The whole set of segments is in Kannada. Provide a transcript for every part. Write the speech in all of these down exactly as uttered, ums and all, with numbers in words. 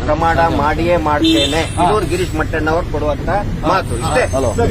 ಪ್ರಮಾಣ ಮಾಡಿಯೇ ಮಾಡ್ತೇನೆ. ಇನ್ನೂರು ಗಿರೀಶ್ ಮಟ್ಟಣ್ಣವರು ಕೊಡುವಂತ ಮಾತು ಇಷ್ಟೇ.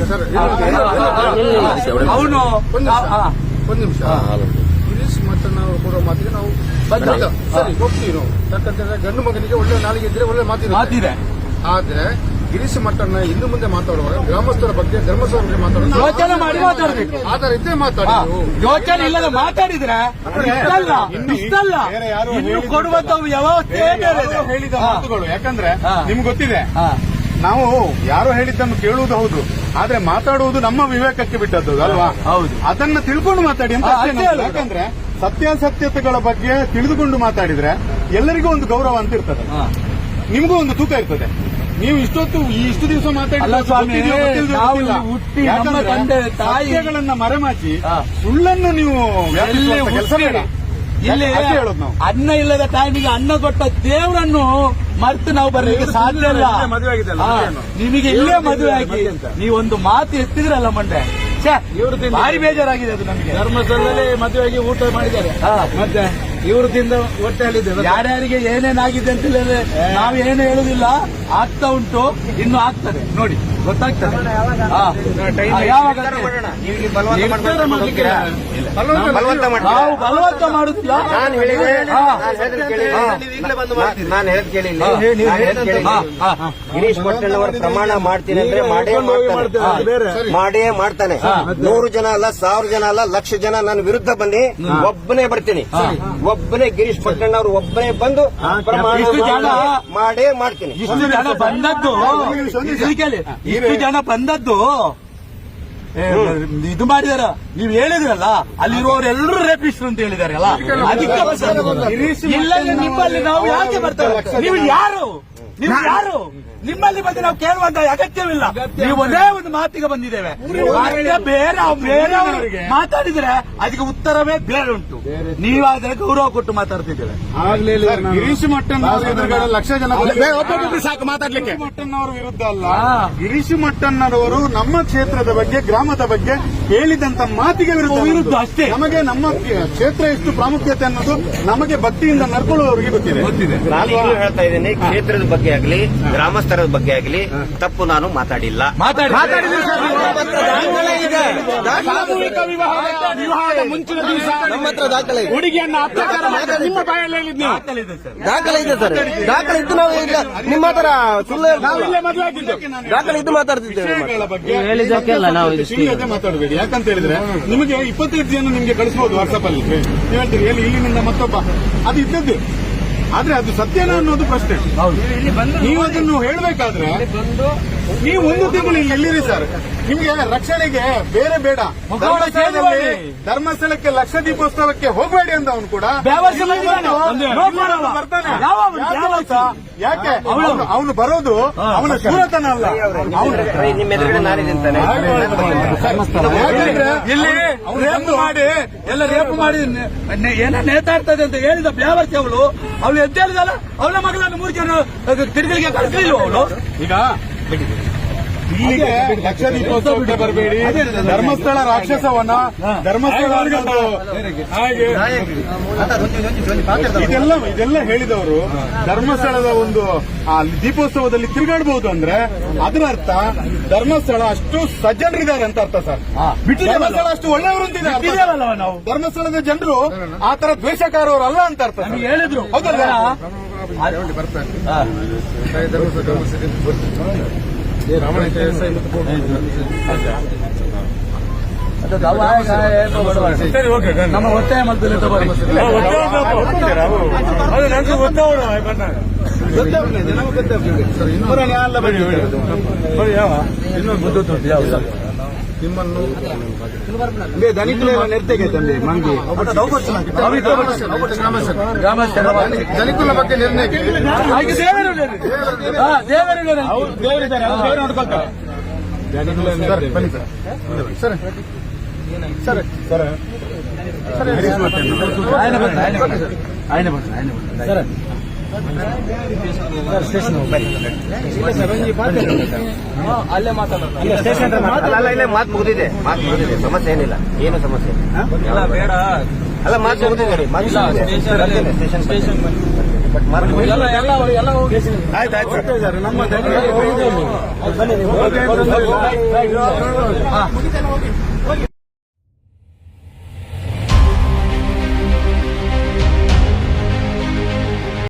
ಅವನು ಒಂದು ನಿಮಿಷ, ಗಿರೀಶ್ ಮಟ್ಟಣ್ಣವರು ಕೊಡುವ ಮಾತಿಗೆ ನಾವು ಸರಿ ಹೋಗ್ತೀವಿ. ನಾವು ಯಾಕಂತಂದ್ರೆ ಗಂಡು ಮಗನಿಗೆ ಒಳ್ಳೆ ನಾಲಿಗೆ ಇದ್ರೆ ಒಳ್ಳೆ ಮಾತಿದೆ. ಆದ್ರೆ ಗಿರೀಶ್ ಮಟ್ಟಣ್ಣ ಇನ್ನು ಮುಂದೆ ಮಾತಾಡುವಾಗ ಗ್ರಾಮಸ್ಥರ ಬಗ್ಗೆ ಧರ್ಮಸ್ಥಳ ಬಗ್ಗೆ ಮಾತಾಡೋದು ಯೋಚನೆ ಮಾಡಿ ಮಾತಾಡಬೇಕು. ಆಧಾರ ಇದ್ದೇ ಮಾತಾಡಿ. ಯೋಚನೆ ಇಲ್ಲದ ಮಾತಾಡಿದ್ರೆ ಇಷ್ಟಲ್ಲ ಇಷ್ಟಲ್ಲ ಇನ್ನು ಕೊಡುವಂತ ವ್ಯವಸ್ಥೆ ಹೇಳಿದ ಮಾತುಗಳು. ಯಾಕಂದ್ರೆ ನಿಮ್ಗೆ ಗೊತ್ತಿದೆ, ನಾವು ಯಾರೋ ಹೇಳಿದ್ದನ್ನು ಕೇಳುವುದು ಹೌದು, ಆದ್ರೆ ಮಾತಾಡುವುದು ನಮ್ಮ ವಿವೇಕಕ್ಕೆ ಬಿಟ್ಟದ್ದು ಅಲ್ವಾ? ಹೌದು. ಅದನ್ನ ತಿಳ್ಕೊಂಡು ಮಾತಾಡಿ ಅಂತ. ಯಾಕಂದ್ರೆ ಸತ್ಯಾಸತ್ಯತೆಗಳ ಬಗ್ಗೆ ತಿಳಿದುಕೊಂಡು ಮಾತಾಡಿದ್ರೆ ಎಲ್ಲರಿಗೂ ಒಂದು ಗೌರವ ಅಂತ ಇರ್ತದೆ, ನಿಮಗೂ ಒಂದು ತೂಕ ಇರ್ತದೆ. ನೀವು ಇಷ್ಟೊತ್ತು ಇಷ್ಟು ದಿವಸ ಮಾತಾಡಿಗಳನ್ನ ಮರೆಮಾಚಿ ಸುಳ್ಳನ್ನು ನೀವು ಕೆಲಸ ಬೇಡ. ಇಲ್ಲಿ ಹೇಳೋದು ನಾವು ಅನ್ನ ಇಲ್ಲದ ಟೈಮಿಗೆ ಅನ್ನ ಕೊಟ್ಟ ದೇವರನ್ನು ಮರ್ತು ನಾವು ಬರಲಿಕ್ಕೆ ಸಾಧ್ಯ ಇಲ್ಲ. ನಿಮಗೆ ಇಲ್ಲೇ ಮದುವೆ ಆಗಿ ನೀವೊಂದು ಮಾತು ಎತ್ತಿದ್ರಲ್ಲ ಮಂಡೆ, ಭಾರಿ ಬೇಜಾರಾಗಿದೆ ಅದು ನಮಗೆ. ಧರ್ಮಸ್ಥಳದಲ್ಲಿ ಮದುವೆಯಾಗಿ ಊಟ ಮಾಡಿದ್ದಾರೆ, ಮತ್ತೆ ಇವರು ತಿಂದ ಹೊಟ್ಟೆಯಲ್ಲಿದೆ. ಯಾರ್ಯಾರಿಗೆ ಏನೇನಾಗಿದೆ ಅಂತ ಹೇಳಿದ್ರೆ ನಾವು ಏನು ಹೇಳುದಿಲ್ಲ, ಆಗ್ತಾ ಉಂಟು, ಇನ್ನು ಆಗ್ತದೆ ನೋಡಿ, ಗೊತ್ತಾಗ್ತದೆ. ನಾವು ಬಲವಂತ ಮಾಡುದಿಲ್ಲ. ನಾನು ಹೇಳಿದೆ, ನಾನು ಹೇಳದ್ ಕೇಳಿ, ಗಿರೀಶ್ ಮಟ್ಟಣ್ಣವರ ಪ್ರಮಾಣ ಮಾಡ್ತೀನಿ ಅಂದ್ರೆ ಮಾಡೇ ಮಾಡ್ತಾನೆ, ಮಾಡೇ ಮಾಡ್ತಾನೆ. ನೂರು ಜನ ಅಲ್ಲ, ಸಾವಿರ ಜನ ಅಲ್ಲ, ಲಕ್ಷ ಜನ ನನ್ನ ವಿರುದ್ಧ ಬನ್ನಿ, ಒಬ್ಬನೇ ಬರ್ತೀನಿ. ಒಬ್ಬನೇ ಗಿರೀಶ್ ಮಟ್ಟಣ್ಣವರು ಒಬ್ಬನೇ ಬಂದು ಪ್ರಮಾಣ ಮಾಡೇ ಮಾಡ್ತೀನಿ. ಇಷ್ಟು ಜನ ಬಂದದ್ದು ಇಷ್ಟು ಜನ ಬಂದದ್ದು ಇದು ಮಾಡಿದಾರ. ನೀವು ಹೇಳಿದ್ರಲ್ಲ, ಅಲ್ಲಿರುವವರೆಲ್ಲರೂ ರೇಪಿಸ್ಟ್ರು ಅಂತ ಹೇಳಿದಾರೆ ಅಲ್ಲ, ಅದಕ್ಕೆ ಇಲ್ಲ. ನಿಮ್ಮಲ್ಲಿ ನಾವು ಯಾಕೆ ಬರ್ತೇವೆ? ನೀವು ಯಾರು? ನೀವು ಯಾರು? ನಿಮ್ಮಲ್ಲಿ ಬಂದು ನಾವು ಕೇಳುವಂತ ಅಗತ್ಯವಿಲ್ಲ. ನೀವು ಒಂದೇ ಒಂದು ಮಾತಿಗೆ ಬಂದಿದ್ದೇವೆ. ಬೇರೆ ಬೇರೆಯವರಿಗೆ ಮಾತಾಡಿದ್ರೆ ಅದಕ್ಕೆ ಉತ್ತರವೇ ಬೇರೆ ಉಂಟು. ನೀವಾದ್ರೆ ಗೌರವ ಕೊಟ್ಟು ಮಾತಾಡ್ತಿದ್ದೇವೆ. ಗಿರೀಶ್ ಮಟ್ಟಣ್ಣವರ ಲಕ್ಷ ಜನ ಸಾಕು ಮಾತಾಡ್ಲಿಕ್ಕೆ. ಮಟ್ಟಣ್ಣವರ ವಿರುದ್ಧ ಅಲ್ಲ, ಗಿರೀಶ್ ಮಟ್ಟಣ್ಣರವರು ನಮ್ಮ ಕ್ಷೇತ್ರದ ಬಗ್ಗೆ, ಗ್ರಾಮದ ಬಗ್ಗೆ ಹೇಳಿದಂತ ಮಾತಿಗೆ ವಿರುದ್ಧ ವಿರುದ್ಧ ಅಷ್ಟೇ. ನಮಗೆ ನಮ್ಮ ಕ್ಷೇತ್ರ ಎಷ್ಟು ಪ್ರಾಮುಖ್ಯತೆ ಅನ್ನೋದು ನಮಗೆ ಭಕ್ತಿಯಿಂದ ನಡ್ಕೊಳ್ಳುವವರಿಗೆ ಗೊತ್ತಿದೆ ಗೊತ್ತಿದೆ ನಾನು ಹೇಳ್ತಾ ಇದ್ದೇನೆ, ಕ್ಷೇತ್ರದ ಬಗ್ಗೆ ಆಗಲಿ, ಗ್ರಾಮಸ್ಥರ ಬಗ್ಗೆ ಆಗಲಿ ತಪ್ಪು ನಾನು ಮಾತಾಡಿಲ್ಲ. ವಿವಾಹದ ಮುಂಚಿನ ದಿವಸ ನಮ್ಮ ಹತ್ರ ದಾಖಲೆ ಇದೆ. ಹುಡುಗಿಯನ್ನ ಅತ್ಯಾಚಾರ ಮಾಡಿದ್ರೆ ನಿಮ್ಮ ಬಾಯಲ್ಲಿ ಹೇಳಿದ್ನಿ ದಾಖಲೆ ಇದೆ ಸರ್. ದಾಖಲೆ ಇದ್ದು ನಾವು ಈಗ ನಿಮ್ಮ ಹತ್ರ ಸುಳ್ಳು ಮದುವೆ ಆಗಿದ್ದು ದಾಖಲೆ ಇದ್ದು ಮಾತಾಡ್ತಿದ್ದೇವೆ. ಹೇಳಿದ್ದಕ್ಕೆಲ್ಲ ನಾವು ಮಾತಾಡಬೇಡಿ. ಯಾಕಂತ ಹೇಳಿದ್ರೆ ನಿಮಗೆ ಇಪ್ಪತ್ತೈದು ಜನ ನಿಮ್ಗೆ ಕಳಿಸಬಹುದು ವಾಟ್ಸ್ಆಪ್ ಅಲ್ಲಿ. ನೀವು ಹೇಳ್ತೀರಿ ಎಲ್ಲಿ ಇಲ್ಲಿನಿಂದ ಮತ್ತೊಬ್ಬ, ಅದು ಇದ್ದದ್ದು. ಆದ್ರೆ ಅದು ಸತ್ಯನ ಅನ್ನೋದು ಪ್ರಶ್ನೆ. ನೀವು ಅದನ್ನು ಹೇಳಬೇಕಾದ್ರೆ ನೀವು ಒಂದು ತಿಂಗಳು ಇಲ್ಲಿ ಎಲ್ಲಿರಿ ಸರ್? ನಿಮ್ಗೆ ರಕ್ಷಣೆಗೆ ಬೇರೆ ಬೇಡ, ಧರ್ಮಸ್ಥಳಕ್ಕೆ ಲಕ್ಷ ದೀಪೋತ್ಸವಕ್ಕೆ ಹೋಗಬೇಡಿ ಅಂತ ಅವನು ಕೂಡ ಬರ್ತಾನೆ. ಯಾಕೆ ಅವನು ಬರೋದು ಅವನ ಸೂರತನ ಅಲ್ಲ. ನಿಮ್ಮ ಎದುರುಗಡೆ ನಾನಿದ್ದಂತಾನೆ ಇಲ್ಲಿ ರೇಪು ಮಾಡಿ ಎಲ್ಲ ರೇಪು ಮಾಡಿ ಏನೋ ನೇತಾಡ್ತದೆ ಅಂತ ಹೇಳಿದ ಬ್ಯಾವರ್ತಿ ಅವಳು ಅವಳು ಎದ್ದೇಳಿದಲ್ಲ, ಅವಳ ಮಗಳನ್ನು ಮೂರು ಜನ ತಿರುಗಲಿಗೆ ಕಳಿಸಲಿಲ್ಲ ಅವಳು. ಈಗ ಇಲ್ಲಿಗೆ ಲಕ್ಷ ದೀಪೋತ್ಸವಕ್ಕೆ ಬರಬೇಡಿ, ಧರ್ಮಸ್ಥಳ ರಾಕ್ಷಸವನ್ನ ಧರ್ಮಸ್ಥಳ ಹಾಗೆ ಇದೆಲ್ಲ ಇದೆಲ್ಲ ಹೇಳಿದವರು ಧರ್ಮಸ್ಥಳದ ಒಂದು ದೀಪೋತ್ಸವದಲ್ಲಿ ತಿರುಗಾಡಬಹುದು ಅಂದ್ರೆ ಅದರ ಅರ್ಥ ಧರ್ಮಸ್ಥಳ ಅಷ್ಟು ಸಜ್ಜನರಿದ್ದಾರೆ ಅಂತ ಅರ್ಥ ಸರ್. ಧರ್ಮಸ್ಥಳ ಅಷ್ಟು ಒಳ್ಳೆಯವರು ಅಂತಿದ್ದಾರೆ. ನಾವು ಧರ್ಮಸ್ಥಳದ ಜನರು ಆ ತರ ದ್ವೇಷಕಾರವರು ಅಲ್ಲ ಅಂತ ಅರ್ಥ ಹೇಳಿದ್ರು. ಹೌದಲ್ಲ? ನಮ್ಮ ಒತ್ತಾಯ ಮಾಡ್ತಾರೆ. ನಿಮ್ಮನ್ನು ನೆರ್ತೆಗೆ ತಂದೆ ಮಂಗಿ ಧನಿಕುಲ ಬಗ್ಗೆ ನಿರ್ಣಯಕ್ಕೆ ಸರ್ ಸರ್ ಸರ್ ಅಲ್ಲೇ ಮಾತಾಡೋದು. ಇಲ್ಲೇ ಮಾತು ಮುಗಿದಿದೆ, ಮಾತು ಮುಗಿದಿದೆ, ಸಮಸ್ಯೆ ಏನಿಲ್ಲ, ಏನು ಸಮಸ್ಯೆ ಇಲ್ಲ. ಬೇಡ ಅಲ್ಲ, ಮಾತು ಮುಗಿದಿದೆ. ಸ್ಟೇಷನ್ ಬಟ್ ಮಾರ್ಕ್ ಎಲ್ಲ ಎಲ್ಲ ಎಲ್ಲ ಹೋಗಿ ಆಯ್ತು ಆಯ್ತು ಸರ್. ನಮ್ಮ ಬನ್ನಿ ನೀವು.